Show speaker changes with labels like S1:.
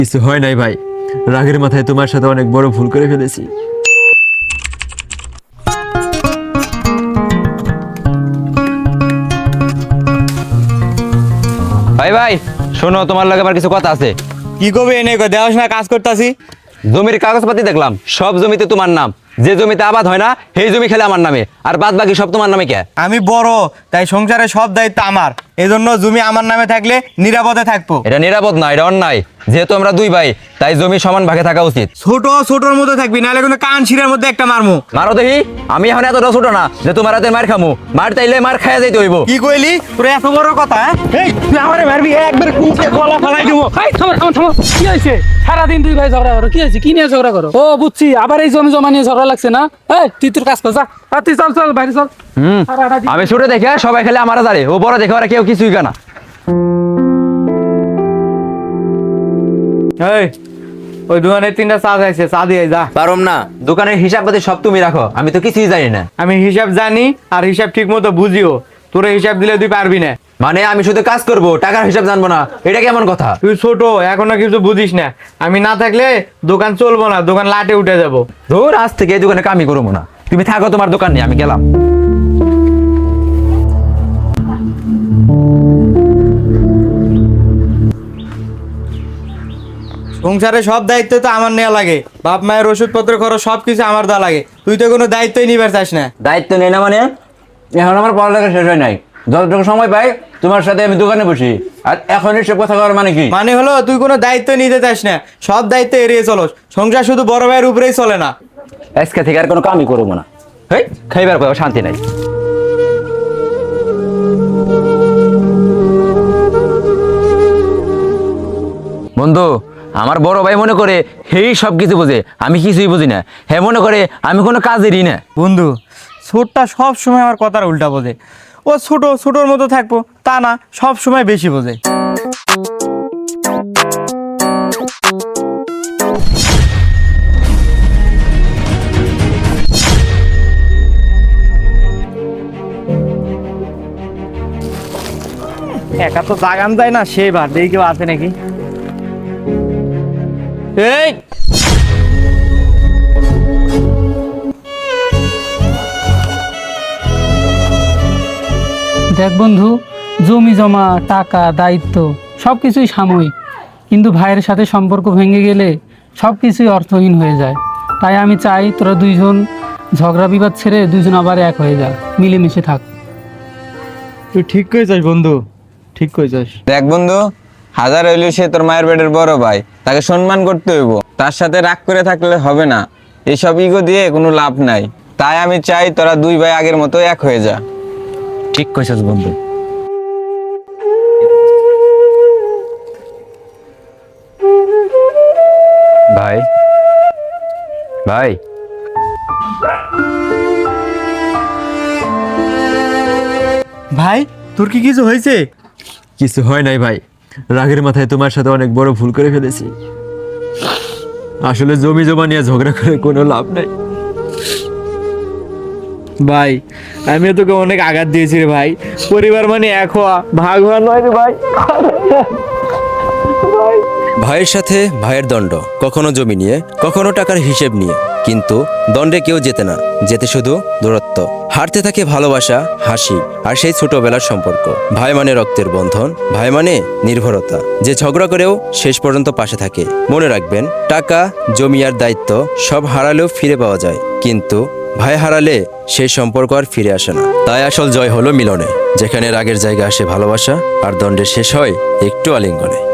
S1: কিছু হয় নাই ভাই, রাগের মাথায় তোমার সাথে অনেক বড় ভুল করে ফেলেছি।
S2: ভাই ভাই শোনো, তোমার লাগে আবার কিছু কথা আছে।
S3: কি করবে এনে দেওয়াস না, কাজ করতেছি।
S2: জমির কাগজপাতি দেখলাম, সব জমিতে তোমার নাম। যে জমিতে আবাদ হয় না সেই জমি খেলে আমার নামে, আর বাদ বাকি সব তোমার নামে। কে?
S3: আমি বড়, তাই সংসারের সব দায়িত্ব আমার। এজন্য জমি আমার নামে থাকলে নিরাপদে থাকবো।
S2: এটা নিরাপদ না, এটা অন্যায়। যেহেতু আমরা দুই ভাই, তাই জমি সমান ভাগে থাকা উচিত।
S3: ছোট ছোটর মধ্যে থাকবি, নাহলে কিন্তু কান শিরার মধ্যে একটা মারমু।
S2: মারো দেখি। আমি এখন এতটা ছোট না যে তোমার হাতে মার খামু। মার তাইলে মার খাইয়া যাইতে হইব।
S3: কি কইলি? তোর এত বড় কথা? এই তুই আমারে মারবি, একবার কুচে গলা ফালাই দিব।
S4: এই থামো থামো থামো, কি হয়েছে? সারাদিন দুই ভাই ঝগড়া করো, কি হয়েছে? কি নিয়ে ঝগড়া করো? ও বুঝছি, আবার এই জমি জমা নিয়ে ঝগড়া লাগছে না? এই তুই তোর কাজ কর, যা। আর তুই চল চল বাইরে চল। সারাটা দিন-
S2: আমি ছোট দেখে সবাই খেলে আমার দাঁড়ে, ও বড় দেখে ওরা কেউ কিছুই কেনা।
S3: এই ওই দোকানে 3টা চা চাইছে, চা দিয়ে যা।
S2: পারম না, দোকানের হিসাব পাতি সব তুমি রাখো, আমি তো কিছুই জানি না।
S3: আমি হিসাব জানি, আর হিসাব ঠিক মতো বুঝিও। তোরে হিসাব দিলে তুই পারবি না।
S2: মানে আমি শুধু কাজ করব, টাকার হিসাব জানবো না, এটা কেমন কথা?
S3: তুই ছোট, এখনো কিছু বুঝিস না। আমি না থাকলে দোকান চলবো না, দোকান লাটে উঠে যাবো।
S2: ধর, আজ থেকে এই দোকানে কামই করবো না। তুমি থাকো তোমার দোকান নিয়ে, আমি গেলাম।
S3: সংসারে সব দায়িত্ব তো আমার নেওয়া লাগে। বাপ মায়ের ওষুধপত্র খরচ সবকিছু আমার দেওয়া লাগে। তুই তো কোনো দায়িত্বই নিবার চাস না।
S2: দায়িত্ব নেই না মানে? এখন আমার পড়ালেখা শেষ হয় নাই, যতটুকু সময় পাই তোমার সাথে আমি দোকানে বসি, আর এখন এসব কথা করার মানে কি?
S3: মানে হলো তুই কোনো দায়িত্ব নিতে চাস না, সব দায়িত্ব এড়িয়ে চলস। সংসার শুধু বড় ভাইয়ের উপরেই চলে না।
S2: আজকে থেকে আর কোনো কামই করবো না। হেই, খাইবার পর শান্তি নাই। বন্ধু, আমার বড় ভাই মনে করে হেই সব কিছু বোঝে, আমি কিছুই বুঝি না। হ্যাঁ, মনে করে আমি কোনো কাজেরই না।
S3: বন্ধু, ছোটটা সব সময় আমার কথার উল্টা বোঝে। ও ছোট ছোটর মতো থাকবো তা না, সব সময় বেশি বোঝে। একা তো জাগান যায় না, সেই বার দেখি কেউ আছে নাকি। এই
S4: দেখ বন্ধু, জমি জমা, টাকা, দায়িত্ব সব কিছুই সাময়িক, কিন্তু ভাইয়ের সাথে সম্পর্ক ভেঙে গেলে সব কিছুই অর্থহীন হয়ে যায়। তাই আমি চাই তোরা দুইজন ঝগড়া বিবাদ ছেড়ে দুইজন আবার এক হয়ে যা, মিলেমিশে থাক।
S3: তুই ঠিক কইছিস বন্ধু, ঠিক কইছিস।
S5: দেখ বন্ধু, হাজার হইলে সে তোর মায়ের পেটের বড় ভাই, তাকে সম্মান করতে হইব। তার সাথে রাগ করে থাকলে হবে না, এসব ইগো দিয়ে কোনো লাভ নাই। তাই আমি চাই তোরা দুই ভাই আগের মতো এক হয়ে যা।
S2: ঠিক কইছিস বন্ধু। ভাই ভাই
S3: ভাই, তোর কি কিছু হয়েছে?
S1: কিছু হয় নাই ভাই, রাগের মাথায় তোমার সাথে অনেক বড় ভুল করে ফেলেছি। আসলে জমি জমা নিয়ে ঝগড়া করে কোনো লাভ নাই।
S3: ভাই, আমিও তোকে অনেক আঘাত দিয়েছি রে ভাই। পরিবার মানে এক হওয়া, ভাগ হওয়া নয় রে ভাই।
S6: ভাইয়ের সাথে ভাইয়ের দণ্ড, কখনো জমি নিয়ে, কখনো টাকার হিসেব নিয়ে। কিন্তু দণ্ডে কেউ জেতে না, জেতে শুধু দূরত্ব। হারতে থাকে ভালোবাসা, হাসি, আর সেই ছোটবেলার সম্পর্ক। ভাই মানে রক্তের বন্ধন, ভাই মানে নির্ভরতা, যে ঝগড়া করেও শেষ পর্যন্ত পাশে থাকে। মনে রাখবেন, টাকা, জমি আর দায়িত্ব সব হারালেও ফিরে পাওয়া যায়, কিন্তু ভাই হারালে সেই সম্পর্ক আর ফিরে আসে না। তাই আসল জয় হলো মিলনে, যেখানে রাগের জায়গা আসে ভালোবাসা, আর দণ্ডের শেষ হয় একটু আলিঙ্গনে।